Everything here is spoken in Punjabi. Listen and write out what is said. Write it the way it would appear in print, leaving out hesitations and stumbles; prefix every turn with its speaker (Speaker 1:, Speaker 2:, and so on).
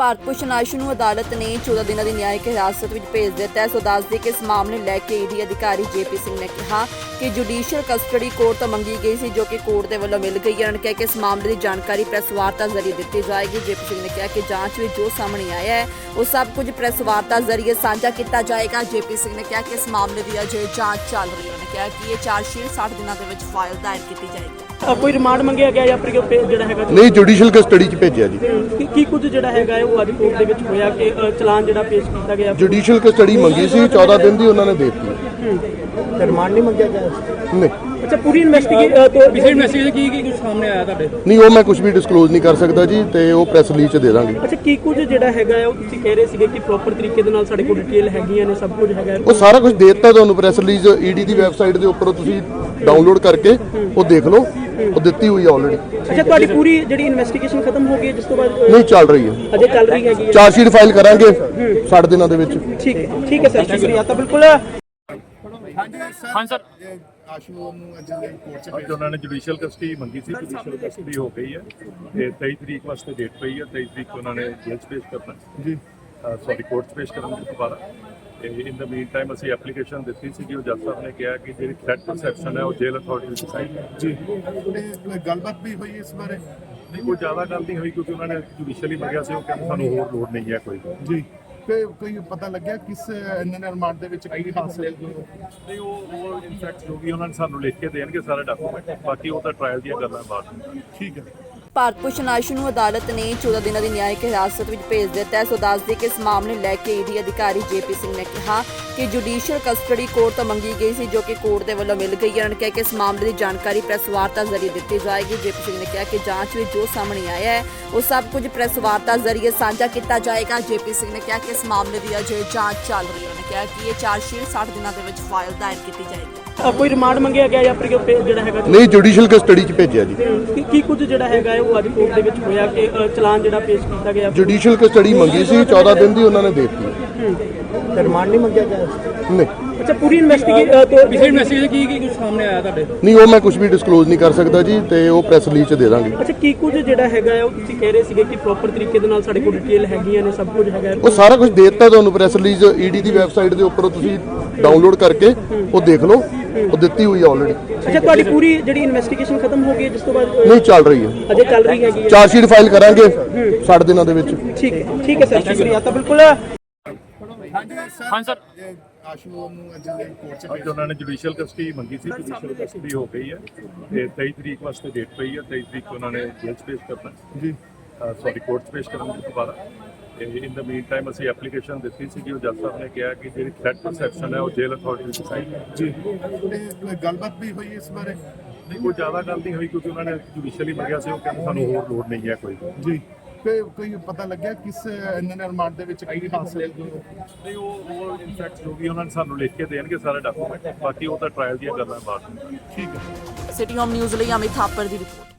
Speaker 1: ਭਾਰਤ ਭੂਸ਼ਣ ਆਸ਼ੂ ਨੂੰ ਅਦਾਲਤ ਨੇ 14 ਦਿਨਾਂ ਦੀ ਨਿਆਇਕ ਹਿਰਾਸਤ ਵਿੱਚ ਭੇਜ ਦਿੱਤਾ ਹੈ। ਸੋ ਦੱਸਦੇ ਕਿ ਇਸ ਮਾਮਲੇ ਨੂੰ ਲੈ ਕੇ ਈਡੀ ਅਧਿਕਾਰੀ ਜੇਪੀ ਸਿੰਘ ਨੇ ਕਿਹਾ ਕਿ ਜੁਡੀਸ਼ੀਅਲ ਕਸਟਡੀ ਕੋਰਟ ਤੋਂ ਮੰਗੀ ਗਈ ਸੀ, ਜੋ ਕਿ ਕੋਰਟ ਦੇ ਵੱਲੋਂ ਮਿਲ ਗਈ ਹੈ। ਉਹਨਾਂ ਨੇ ਕਿਹਾ ਕਿ ਇਸ ਮਾਮਲੇ ਦੀ ਜਾਣਕਾਰੀ ਪ੍ਰੈਸ ਵਾਰਤਾ ਜ਼ਰੀਏ ਦਿੱਤੀ ਜਾਏਗੀ। ਜੇਪੀ ਸਿੰਘ ਨੇ ਕਿਹਾ ਕਿ ਜਾਂਚ ਵਿੱਚ ਜੋ ਸਾਹਮਣੇ ਆਇਆ ਹੈ ਉਹ ਸਭ ਕੁਝ ਪ੍ਰੈਸ ਵਾਰਤਾ ਜ਼ਰੀਏ ਸਾਂਝਾ ਕੀਤਾ ਜਾਏਗਾ। ਜੇਪੀ ਸਿੰਘ ਨੇ ਕਿਹਾ ਕਿ ਇਸ ਮਾਮਲੇ ਦੀ ਅਜੇ ਜਾਂਚ ਚੱਲ ਰਹੀ ਹੈ। ਉਹਨਾਂ ਨੇ ਕਿਹਾ ਕਿ ਇਹ ਚਾਰਜਸ਼ੀਟ 60 ਦਿਨਾਂ ਦੇ ਵਿੱਚ ਫਾਈਲ ਦਾਇਰ ਕੀਤੀ ਜਾਏਗੀ।
Speaker 2: ਕੋਈ ਰਿਮਾਂਡ ਮੰਗਿਆ ਗਿਆ ਜਾਂ ਫਿਰ ਜਿਹੜਾ ਹੈਗਾ
Speaker 3: ਨਹੀਂ, ਜੁਡੀਸ਼ੀਅਲ ਕਸਟਡੀ 'ਚ ਭੇਜਿਆ ਜੀ।
Speaker 2: ਕੀ ਕੁਝ ਜਿਹੜਾ ਹੈਗਾ ਉਹ ਅੱਜ ਕੋਰਟ ਦੇ ਵਿੱਚ ਹੋਇਆ ਕਿ ਚਲਾਨ ਜਿਹੜਾ ਪੇਸ਼ ਕੀਤਾ ਗਿਆ?
Speaker 3: ਜੁਡੀਸ਼ੀਅਲ ਕਸਟਡੀ ਮੰਗੀ ਸੀ, 14 ਦਿਨ ਦੀ ਉਹਨਾਂ ਨੇ ਦੇ ਦਿੱਤੀ।
Speaker 2: ਤੇ ਰਿਮਾਂਡ ਨਹੀਂ ਮੰਗਿਆ ਗਿਆ?
Speaker 3: ਨਹੀਂ।
Speaker 2: ਅੱਛਾ, ਪੂਰੀ ਇਨਵੈਸਟੀਗੇਸ਼ਨ ਕੀ ਕੁਝ ਸਾਹਮਣੇ ਆਇਆ ਤੁਹਾਡੇ?
Speaker 3: ਨਹੀਂ, ਉਹ ਮੈਂ ਕੁਝ ਵੀ ਡਿਸਕਲੋਜ਼ ਨਹੀਂ ਕਰ ਸਕਦਾ ਜੀ, ਤੇ ਉਹ ਪ੍ਰੈਸ ਰਿਲੀਜ਼ 'ਚ ਦੇ ਦਾਂਗੇ।
Speaker 2: ਅੱਛਾ, ਕੀ ਕੁਝ ਜਿਹੜਾ ਹੈਗਾ ਉਹ ਤੁਸੀਂ ਕਹਿ ਰਹੇ ਸੀਗੇ ਕਿ ਪ੍ਰੋਪਰ ਤਰੀਕੇ ਦੇ ਨਾਲ ਸਾਡੇ ਕੋਲ ਡਿਟੇਲ ਹੈਗੀਆਂ ਨੇ, ਸਭ ਕੁਝ ਹੈਗਾ?
Speaker 3: ਉਹ ਸਾਰਾ ਕੁਝ ਦੇ ਦਿੱਤਾ ਤੁਹਾਨੂੰ ਪ੍ਰੈਸ ਰਿਲੀਜ਼ ਈਡੀ ਦੀ ਵੈਬਸਾਈਟ ਦੇ ਉੱਪਰ, ਤੁਸੀਂ ਡਾਊਨਲੋਡ ਕਰਕੇ ਉਹ ਦੇਖ ਲਓ, ਉਹ ਦਿੱਤੀ ਹੋਈ ਹੈ ਆਲਰੇਡੀ।
Speaker 2: ਅੱਛਾ, ਤੁਹਾਡੀ ਪੂਰੀ ਜਿਹੜੀ ਇਨਵੈਸਟੀਗੇਸ਼ਨ ਖਤਮ ਹੋ ਗਈ ਹੈ ਜਿਸ ਤੋਂ ਬਾਅਦ?
Speaker 3: ਨਹੀਂ, ਚੱਲ ਰਹੀ ਹੈ,
Speaker 2: ਅਜੇ ਚੱਲ ਰਹੀ ਹੈਗੀ ਹੈ।
Speaker 3: ਚਾਰਜਸ਼ੀਟ ਫਾਈਲ ਕਰਾਂਗੇ 60 ਦਿਨਾਂ ਦੇ ਵਿੱਚ।
Speaker 2: ਠੀਕ ਹੈ ਸਰ, ਸ਼ੁਕਰੀਆ। ਤਾਂ ਬਿਲਕੁਲ
Speaker 4: ਹਾਂ ਸਰ, ਆਸ਼ੂ ਨੂੰ ਅੱਜ ਕੋਰਟ 'ਚ ਉਹਨਾਂ ਨੇ ਜੁਡੀਸ਼ੀਅਲ ਕਸਟਡੀ ਮੰਗੀ ਸੀ। ਜੁਡੀਸ਼ੀਅਲ ਕਸਟਡੀ ਹੋ ਗਈ ਹੈ ਤੇ 23 ਤਰੀਕ ਵਾਸਤੇ ਡੇਟ ਪਈ ਹੈ। 23 ਤਰੀਕ ਉਹਨਾਂ ਨੇ ਜੇਲ੍ਹ 'ਚ ਪੇਸ਼ ਕਰਨਾ ਜੀ, ਸੌਰੀ ਕੋਰਟ 'ਚ ਪੇਸ਼ ਕਰਨਗੇ ਦੁਬਾਰਾ। ਤੇ ਇਨ ਦਾ ਮੀਨ ਟਾਈਮ ਅਸੀਂ ਐਪਲੀਕੇਸ਼ਨ ਦਿੱਤੀ ਸੀ ਕਿ ਉਹ ਜੱਜ ਸਾਹਿਬ ਨੇ ਕਿਹਾ ਕਿ ਜਿਹੜੀ ਥ੍ਰੈਟ ਪਰਸੈਪਸ਼ਨ ਹੈ ਉਹ ਜੇਲ੍ਹ ਅਥਾਰਟੀ ਵਿੱਚ ਸਾਈਨ ਜੀ। ਕੋਈ ਗੱਲਬਾਤ ਵੀ ਹੋਈ ਇਸ ਬਾਰੇ? ਨਹੀਂ, ਕੋਈ ਜ਼ਿਆਦਾ ਗੱਲ ਨਹੀਂ ਹੋਈ ਕਿਉਂਕਿ ਉਹਨਾਂ ਨੇ ਜੁਡੀਸ਼ੀਅਲੀ ਮੰਗਿਆ ਸੀ। ਉਹ ਕਹਿੰਦੇ ਸਾਨੂੰ ਹੋਰ ਲੋੜ ਨਹੀਂ ਹੈ ਕੋਈ ਜੀ। ਕੋਈ ਪਤਾ ਲੱਗਿਆ ਕਿਸ ਇਹਨਾਂ ਰਿਮਾਂਡ ਦੇ ਵਿੱਚ ਕੀ ਹਾਸਲ ਨਹੀਂ? ਉਹ ਇਨਫੈਕਟ ਜੋ ਵੀ ਉਹਨਾਂ ਨੇ ਸਾਨੂੰ ਲਿਖ ਕੇ ਦੇਣਗੇ ਸਾਰੇ ਡਾਕੂਮੈਂਟ, ਬਾਕੀ ਉਹ ਤਾਂ ਟ੍ਰਾਇਲ ਦੀਆਂ ਗੱਲਾਂ ਬਾਅਦ। ਠੀਕ ਹੈ।
Speaker 1: ਭਾਰਤ ਭੂਸ਼ਣ ਆਸ਼ੂ ਨੂੰ ਅਦਾਲਤ ਨੇ 14 ਦਿਨਾਂ ਦੀ ਨਿਆਇਕ ਹਿਰਾਸਤ ਵਿੱਚ ਭੇਜ ਦਿੱਤਾ ਹੈ। ਸੋ ਦੱਸਦੇ ਕਿ ਇਸ ਮਾਮਲੇ ਨੂੰ ਲੈ ਕੇ ਈਡੀ ਅਧਿਕਾਰੀ ਜੇਪੀ ਸਿੰਘ ਨੇ ਕਿਹਾ ਕਿ ਜੁਡੀਸ਼ੀਅਲ ਕਸਟਡੀ ਕੋਰਟ ਤੋਂ ਮੰਗੀ ਗਈ ਸੀ, ਜੋ ਕਿ ਕੋਰਟ ਦੇ ਵੱਲੋਂ ਮਿਲ ਗਈ ਹੈ। ਉਹਨਾਂ ਨੇ ਕਿਹਾ ਕਿ ਇਸ ਮਾਮਲੇ ਦੀ ਜਾਣਕਾਰੀ ਪ੍ਰੈਸ ਵਾਰਤਾ ਜ਼ਰੀਏ ਦਿੱਤੀ ਜਾਏਗੀ। ਜੇਪੀ ਸਿੰਘ ਨੇ ਕਿਹਾ ਕਿ ਜਾਂਚ ਵਿੱਚ ਜੋ ਸਾਹਮਣੇ ਆਇਆ ਹੈ ਉਹ ਸਭ ਕੁਝ ਪ੍ਰੈਸ ਵਾਰਤਾ ਜ਼ਰੀਏ ਸਾਂਝਾ ਕੀਤਾ ਜਾਏਗਾ। ਜੇਪੀ ਸਿੰਘ ਨੇ ਕਿਹਾ ਕਿ ਇਸ ਮਾਮਲੇ ਦੀ ਅਜੇ ਜਾਂਚ ਚੱਲ ਰਹੀ ਹੈ। ਉਹਨਾਂ ਨੇ ਕਿਹਾ ਕਿ ਇਹ ਚਾਰਜਸ਼ੀਟ 60 ਦਿਨਾਂ ਦੇ ਵਿੱਚ ਫਾਈਲ ਦਾਇਰ ਕੀਤੀ ਜਾਏਗੀ।
Speaker 2: ਕੋਈ ਰਿਮਾਂਡ ਮੰਗਿਆ ਗਿਆ ਜਾਂ ਫਿਰ ਜਿਹੜਾ ਹੈਗਾ?
Speaker 3: ਨਹੀਂ, ਜੁਡੀਸ਼ੀਅਲ ਕਸਟਡੀ 'ਚ ਭੇਜਿਆ ਜੀ।
Speaker 2: ਕੀ ਕੁਝ ਜਿਹੜਾ ਹੈਗਾ ਉਹ ਅੱਜ ਕੋਰਟ ਦੇ ਵਿੱਚ ਹੋਇਆ ਕਿ ਚਲਾਨ ਜਿਹੜਾ ਪੇਸ਼ ਕੀਤਾ ਗਿਆ?
Speaker 3: ਜੁਡੀਸ਼ੀਅਲ ਕਸਟਡੀ ਮੰਗੀ ਸੀ, 14 ਦਿਨ ਦੀ ਉਹਨਾਂ ਨੇ ਦੇ ਦਿੱਤੀ।
Speaker 2: ਤੇ ਰਿਮਾਂਡ ਨਹੀਂ ਮੰਗਿਆ ਗਿਆ?
Speaker 3: ਨਹੀਂ।
Speaker 2: ਅੱਛਾ, ਪੂਰੀ ਇਨਵੈਸਟੀਗੇਸ਼ਨ ਕੀ ਕੁਝ ਸਾਹਮਣੇ ਆਇਆ ਤੁਹਾਡੇ?
Speaker 3: ਨਹੀਂ, ਉਹ ਮੈਂ ਕੁਝ ਵੀ ਡਿਸਕਲੋਜ਼ ਨਹੀਂ ਕਰ ਸਕਦਾ ਜੀ, ਤੇ ਉਹ ਪ੍ਰੈਸ ਰਿਲੀਜ਼ 'ਚ ਦੇ ਦਾਂਗੇ।
Speaker 2: ਅੱਛਾ, ਕੀ ਕੁਝ ਜਿਹੜਾ ਹੈਗਾ ਉਹ ਤੁਸੀਂ ਕਹਿ ਰਹੇ ਸੀਗੇ ਕਿ ਪ੍ਰੋਪਰ ਤਰੀਕੇ ਦੇ ਨਾਲ ਸਾਡੇ ਕੋਲ ਡਿਟੇਲ ਹੈਗੀਆਂ ਨੇ, ਸਭ ਕੁਝ ਹੈਗਾ?
Speaker 3: ਉਹ ਸਾਰਾ ਕੁਝ ਦੇ ਦਿੱਤਾ ਤੁਹਾਨੂੰ ਪ੍ਰੈਸ ਰਿਲੀਜ਼ ਈਡੀ ਦੀ ਵੈਬਸਾਈਟ ਦੇ ਉੱਪਰ, ਤੁਸੀਂ ਡਾਊਨਲੋਡ ਕਰਕੇ ਉਹ ਦੇਖ ਲਓ, ਉਹ ਦਿੱਤੀ ਹੋਈ ਹੈ ਆਲਰੇਡੀ।
Speaker 2: ਅੱਛਾ, ਤੁਹਾਡੀ ਪੂਰੀ ਜਿਹੜੀ ਇਨਵੈਸਟੀਗੇਸ਼ਨ ਖਤਮ ਹੋ ਗਈ ਹੈ ਜਿਸ ਤੋਂ ਬਾਅਦ?
Speaker 3: ਨਹੀਂ, ਚੱਲ ਰਹੀ ਹੈ,
Speaker 2: ਅਜੇ ਚੱਲ ਰਹੀ ਹੈਗੀ ਹੈ।
Speaker 3: ਚਾਰਜਸ਼ੀਟ ਫਾਈਲ ਕਰਾਂਗੇ 60 ਦਿਨਾਂ ਦੇ ਵਿੱਚ।
Speaker 2: ਠੀਕ ਹੈ ਸਰ, ਸ਼ੁਕਰੀਆ। ਤਾਂ ਬਿਲਕੁਲ
Speaker 4: ਹਾਂ ਸਰ, ਆਸ਼ੂ ਨੂੰ ਅੱਜ ਕੋਰਟ 'ਚ ਉਹਨਾਂ ਨੇ ਜੁਡੀਸ਼ੀਅਲ ਕਸਟਡੀ ਮੰਗੀ ਸੀ। ਜੁਡੀਸ਼ੀਅਲ ਕਸਟਡੀ ਹੋ ਗਈ ਹੈ ਤੇ 23 ਤਰੀਕ ਵਾਸਤੇ ਡੇਟ ਪਈ ਹੈ। 23 ਤਰੀਕ ਉਹਨਾਂ ਨੇ ਜੇਲ੍ਹ 'ਚ ਪੇਸ਼ ਕਰਨਾ ਜੀ, ਸੌਰੀ ਕੋਰਟ 'ਚ ਪੇਸ਼ ਕਰਨਗੇ ਦੁਬਾਰਾ। ਤੇ ਇਨ ਦਾ ਮੀਨ ਟਾਈਮ ਅਸੀਂ ਐਪਲੀਕੇਸ਼ਨ ਦਿੱਤੀ ਸੀ ਕਿ ਉਹ ਜੱਜ ਸਾਹਿਬ ਨੇ ਕਿਹਾ ਕਿ ਜਿਹੜੀ ਥ੍ਰੈਟ ਪਰਸੈਪਸ਼ਨ ਹੈ ਉਹ ਜੇਲ੍ਹ ਅਥਾਰਟੀ ਵਿੱਚ ਸਾਈਨ ਜੀ। ਕੋਈ ਗੱਲਬਾਤ ਵੀ ਹੋਈ ਇਸ ਬਾਰੇ? ਨਹੀਂ, ਕੋਈ ਜ਼ਿਆਦਾ ਗੱਲ ਨਹੀਂ ਹੋਈ ਕਿਉਂਕਿ ਉਹਨਾਂ ਨੇ ਜੁਡੀਸ਼ੀਅਲੀ ਮੰਗਿਆ ਸੀ। ਉਹ ਕਹਿੰਦੇ ਸਾਨੂੰ ਹੋਰ ਲੋੜ ਨਹੀਂ ਹੈ ਕੋਈ ਜੀ। ਕੋਈ ਪਤਾ ਲੱਗਿਆ ਕਿਸ ਇਹਨਾਂ ਰਿਮਾਂਡ ਦੇ ਵਿੱਚ ਕੀ ਹਾਸਲ ਨਹੀਂ? ਉਹ ਇਨਫੈਕਟ ਜੋ ਵੀ ਉਹਨਾਂ ਨੇ ਸਾਨੂੰ ਲਿਖ ਕੇ ਦੇਣਗੇ ਸਾਰੇ ਡਾਕੂਮੈਂਟ, ਬਾਕੀ ਉਹ ਤਾਂ ਟ੍ਰਾਇਲ ਦੀਆਂ ਗੱਲਾਂ ਬਾਅਦ। ਠੀਕ ਹੈ।
Speaker 1: ਸਿਟੀ ਹੋਮ ਨਿਊਜ਼ ਲਈ ਅਮਿਤ ਥਾਪਰ ਦੀ ਰਿਪੋਰਟ।